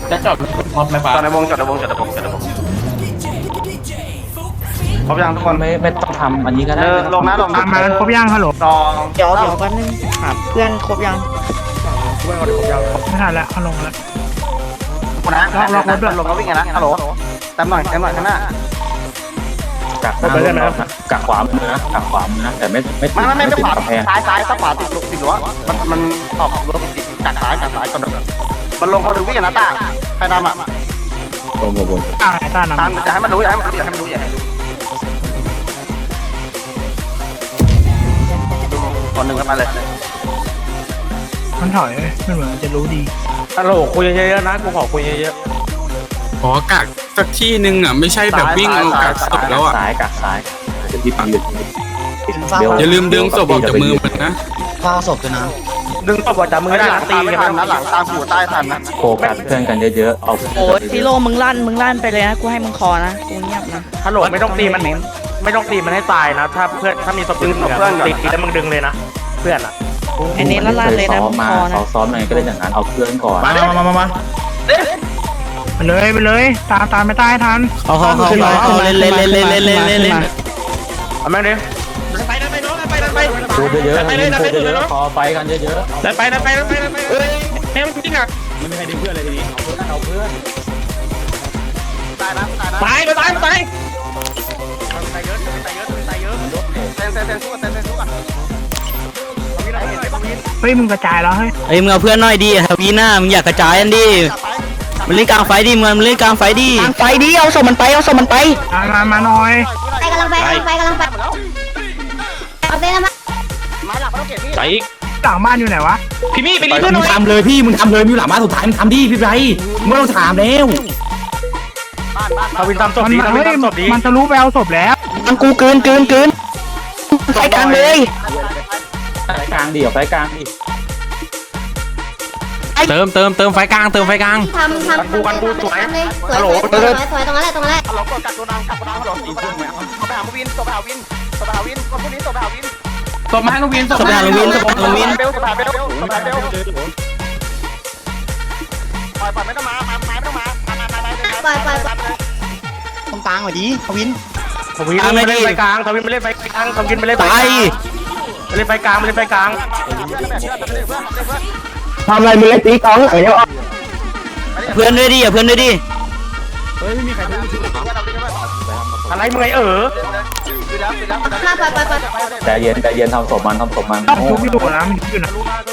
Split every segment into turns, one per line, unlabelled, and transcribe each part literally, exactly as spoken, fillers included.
จะจอดมอบไหมฟ้า
จอดในวงจอดในวงจอดในวงจอดในวงครบยังทุกคน
ไม่ไม่ต้องทำอันนี้ก็ได้
เดินลงนะลงนะ
มาครบย่างฮัลโหล
สอง
เดี๋ยวเดี๋ยวแป๊บนึงหาเพื่อนครบยัง
เพื่อนคนครบยัง
ไม่ทันแล้วเขาลงแล้ว
คนนะลงรถด้วยลงแล้ววิ่งไงนะฮัลโหลตามหน่อยตามหน่อยข้างหน้า
กักหน้ารถนะกักขวามือนะกักขวามือนะแต่ไม่ไม่
ไม่ไม่ไม่
ติด
ขวาก
ำแพง
ซ้ายซ้ายซ้ายขวาติดติดรั้วมันมันออกรั้วติดกัดซ้ายกัดซ้ายก่อนมันลงเขาดูวิ่งนะตาใครดำอ่ะ
โดนโดน
อ่าไอ้ต้า
ตาม
นำ
จะให้มันรู้อย่าให้มันรู้อย่าให้มันรู้อย่าให้คนหนึ่งกันมาเลย
มันถอยมันเหมือนมันจะรู้ดี
ฮัลโหลคุยเยอะๆนะกูขอคุยเยอะ
ขอกักสักที่หนึ่งอ่ะไม่ใช่แบบวิ่งเอากักศพแล้วอ่ะ
ซ้ายกักซ้ายเดี๋ยวพี่ปังหยุด
อย่าลืมดึงศพออกจากมือมันนะ
ข้าวศพด้วยนะ
ดึงตัวจับมือได้หลังตีกันนะหลังตามหูใต้ทันนะ
โฟกัสเพื่อนกันเยอะๆเอา
โอ้ยซิโร่มึงลั่นมึงลั่นไปเลยนะกูให้มึงคอนะกูเงียบนะ
ฮัลโหลไม่ต้องตีมันไม่ต้องตีมันให้ตายนะถ้าเพื่อนถ้ามีศพดึงศพเพื่อนตีแล้วมึงดึงเลยนะเพื่อนอ่ะ
อันนี้ลั่นลั่นเลยนะ
ซ้อ
มึ
ม
ง
มา
คอนะ
เขาซ้อมอะไรก็เล่นอย่างนั้นเอาเพื่อนก่อน
มามามามา
ไปเลยไปเลยตามตามไม่ตายทัน
เขาเขาเขาเขาเล่นเล่นเล่นเล่นเล่นเล่นเล่นเล่น
เอาแม่งดิไปไปไปไปไป
พูดเยอะๆพูดเยอะๆขอไฟกันเยอะ
ไปไปไปไปไปเฮ้ยแม่งจริงอ่ะ
ๆไม่มีใครดึงเพื่อนเลยทีนี้เอาเพื่อนเอาเพื่อน
ตายนะตายนะตายตายตายตายเยอะตายเยอะตายเยอะเซนเซนเซนสู้กันเซนเซนสู้กันวินอะไรเห็นไหมวิน
เฮ้ยมึงกระจายแล้วเฮ้ย
เฮ้ยมึงเอาเพื่อนหน่อยดิฮาวีน่ามึงอยากกระจายกันดิมันเล่นกลางไฟดิมึงมันเล่นกลางไฟดิกลางไฟดิเอาศพมันไปเอาศพมันไป
มามามาหน่อย
ไปกำลังไปกำลังไปกำลังไปเอาไปแล้วมั้ย
ไม้หลักไม่ต้องเก็บพี่
ไปอีก
หลังบ้านอยู่ไหนวะ
พี่มี่ไปรีเพื่อนหน่
มึ
อง ย
ทำเลยพี่มึงทำเลยมีหลังบ้านสุดท้ายมึงทำดิพี่ไรมึงไม่ต้องถามแล้ว
ทวินทำศพ
มัน
ดีทวิ
เฮ้
น
ย
ทำศพดี
มันทะลุไปเอาศพแล้ว
มันกูเกินเกินเกินไฟกลางเลย
ไฟกลางดิเอาไฟกลางดิ
เติมเติมเติมไฟกลางเติมไฟกลาง
ทำทำทำสวยเลยสวยสวยสวยสวยตรงนั้นแหละตรงนั้นแหละ
ฮัลโหลกดกัดตัวดังกัดตัวดังฮัลโหลตีขึ้นไหมเอาไปหาวินตัวไปหาวินตัวไปหาวินคนพวกนี้ตัวไปหาวิน
ศพมาให้ลูกวินศพ
ศพหาลงวินศพหาลงวิน
เบลตัวไปหาเบลตัวไปหาเบลปล่อยปล่อยไม่ต้องมามาไม่ต้องมามามามา
ปล่อยปล่อยปล่อย
ตรงกลางหน่อยดิทวิน
ทวินไม่เล่นไฟกลางทวินไม่เล่นไฟกลางทวินไม่เล่นไฟ
ตาย
ไม่เล่นไฟกลางไม่เล่นไฟกลาง
ทำอะไรมึงเลยตีกองไอ้เนี้ย
เพื่อนด้วยดิอย่าเพื่อนด้วยดิ
อะไรมึงไงเออ
มาปล่อยปล่อยปล่อย
ใจเย็นใจเย็นทำศพมันทำศพมัน
ต้องทุบพี่ดูนะมันอยู่นะ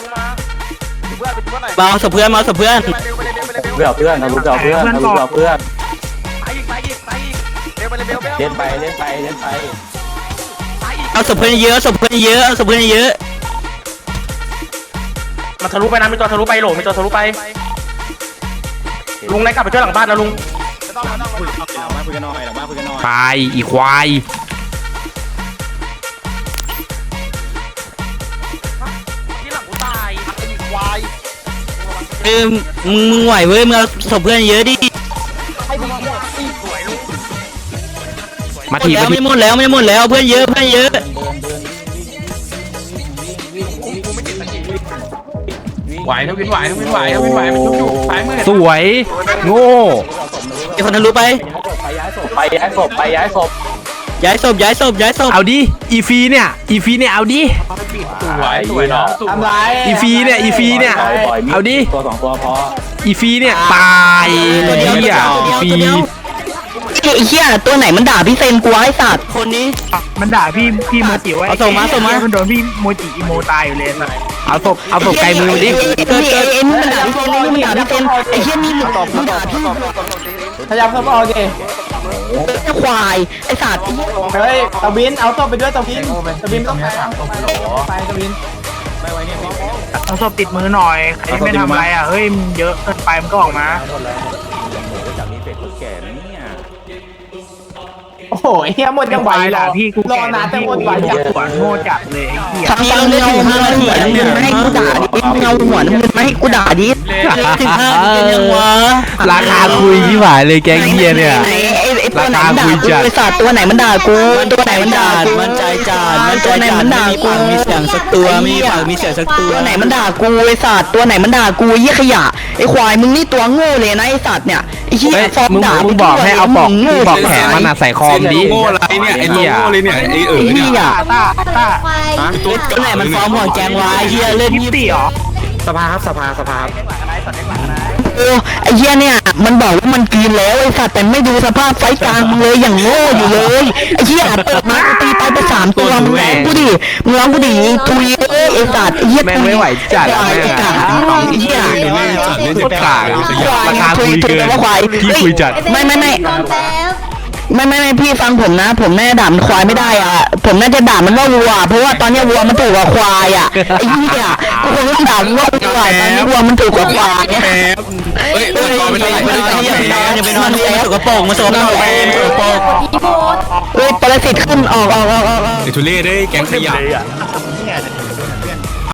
มาเอาศพเพื่อนมาเอาศพเพื่อน
เพื่อเพื่อนทะลุเพื่อเพื่อนทะลุเพื่อเพื่อน
ไปอีกไปอีกไปอีกเบลไปเลยเบลเบล
เล่นไปเล่นไปเล่นไป
เอาศพเพื่อนเยอะศพเพื่อนเยอะเอาศพเพื่อนเยอะ
มันทะลุไปนะมีตัวทะลุไปโหลมีตัวทะลุไปลุงไหนกลับไปช่วยหลังบ้านนะลุง
ตายอีควาย
ที่หลังกูตายไอ้ควาย
เออมึงมึงไหวเว้ยมึงเอาศพเพื่อนเยอะดิ
มา
หม
ที
ดแล้ว
มาที
ไม่หมดแล้วไม่หมดแล้วเพื่อนเยอะเพื่อนเยอะ
ไหวทวินไหวทวินไหวทวินไหวมันชุบอยู่ซ้ายมือสวยโง่
ไอ้คนทะลุไป
ไปย้ายศพไปย้ายศพไปย้ายศพ
ย้ายศพย้ายศพย้ายศพ
เอาดิอีฟีเนี่ยอีฟีเนี่ยเอาดิ
สวยสวยเนาะทำไร
อีฟีเนี่ยอีฟีเนี่ยเอาดิ
ตัวสองตัวพอ
อีฟีเนี่ยตายเฮียอีฟี
ไอ้เหี้ยตัวไหนมันด่าพี่เซนกูไอ้สัตว์คนนี้
มันด่าพี่พี่โมจิไว้
เอาส่งมาส่งมา
มันโดนพี่โมจิอีโมตายอยู่เลยสัส
เอาศพเอาศพไกลมือดิ
เกิดเกิดเอ็นมันด่าพี่เซนนี่มันด่าพี่เซนไอ้เหี้ยนี่มันด่าพี่
พยายามเข้ามาโอเค
ไอ้ควายไอ้สัตว์
เฮ้ยตะวินเอาศพไปด้วยตะวินตะวินต้องไปไปตะวินเอาศพติดมือหน่อยใครไม่ทำอะไรอ่ะเฮ้ยมันเยอะเกินไปมันก็ออกมา
จากนี้เป็นคนแก่นะเนี่ย
โอ้โหเฮียหมดยังไหวเหรอ
พี่กู
รอนานแต่หมดไหว
จั
จั
บ
ง
หัวโง่จัดเลยไอ้เหี้ย
ทำยังได้ถึงห้านาทีมึงให้กูด่าดิมึงเอาหัวมึงไม่ให้กูด่าดิถึงห้านาทียังวะ
ราคาคุยที่หวายเลยแกงเฮียเนี่ย
ไอ้ไอ้ตัวไหนมันด่ากูไอ้สัตว์ตัวไหนมันด่ากูตัวไหนมันด่ากูมันใจจานมันตัวไหนมันด่ากูมีเสียงสักตัวมีปากมีเสียงสักตัวไหนมันด่ากูไอ้สัตว์ตัวไหนมันด่ากูยี่ขยะไอ้ควายมึงนี่ตัวโง่เลยนะไอ้สัตว์เนี่ยไอ้เหี้ยฟอร์มด่ามึงบอกให้เอาปอกบอกแขนมันอ่ะใส่คอมดิโง่อะไรเนี่ยไอ้โง่เลยเนี่ยไอ้เอ๋อเนี่ย ตัวไหนมันฟ้องหัวแกงวายเฮียเล่นยี่สิบหรอ
สภาครับสภาสภา
โอ้ไอ้เฮียเนี่ยมันบอกว่ามันกินแล้วไอ้สัตว์แต่ไม่ดูสภาพไฟกลางมึงเลยอย่างโง่อยู่เลยไอ้เฮียเปิดมาตีไปไปสามตัวมึงร้องกูดิมึงร้องกูดิทุยเอ้ยไอ้สัตว์ไอ้เฮียแม่งไม่ไหวจัดไอ้กาไอ้เฮียราคาคุยเกินควายพี่คุยจัดไม่ไม่ไม่ ไม่ไม่ไม่พี่ฟังผมนะ ผมแน่ด่ามันควายไม่ได้อ่ะผมน่าจะด่ามันว่าวัวเพราะว่าตอนนี้วัวมันถูกกว่าควายอ่ะไอ้เหี้ยกูคงต้องด่ามันว่าวัวตอนนี้วัวมันถูกกว่าควายเนี่ยเฮ้ยไม่ได้ไม่ได้อย่าไปนอนเลยสกปรกมาสกปรกสกปรกเฮ้ยปรสิตขึ้นออกออกออกออก
ไอ้ทุเรศได้แกงขยะ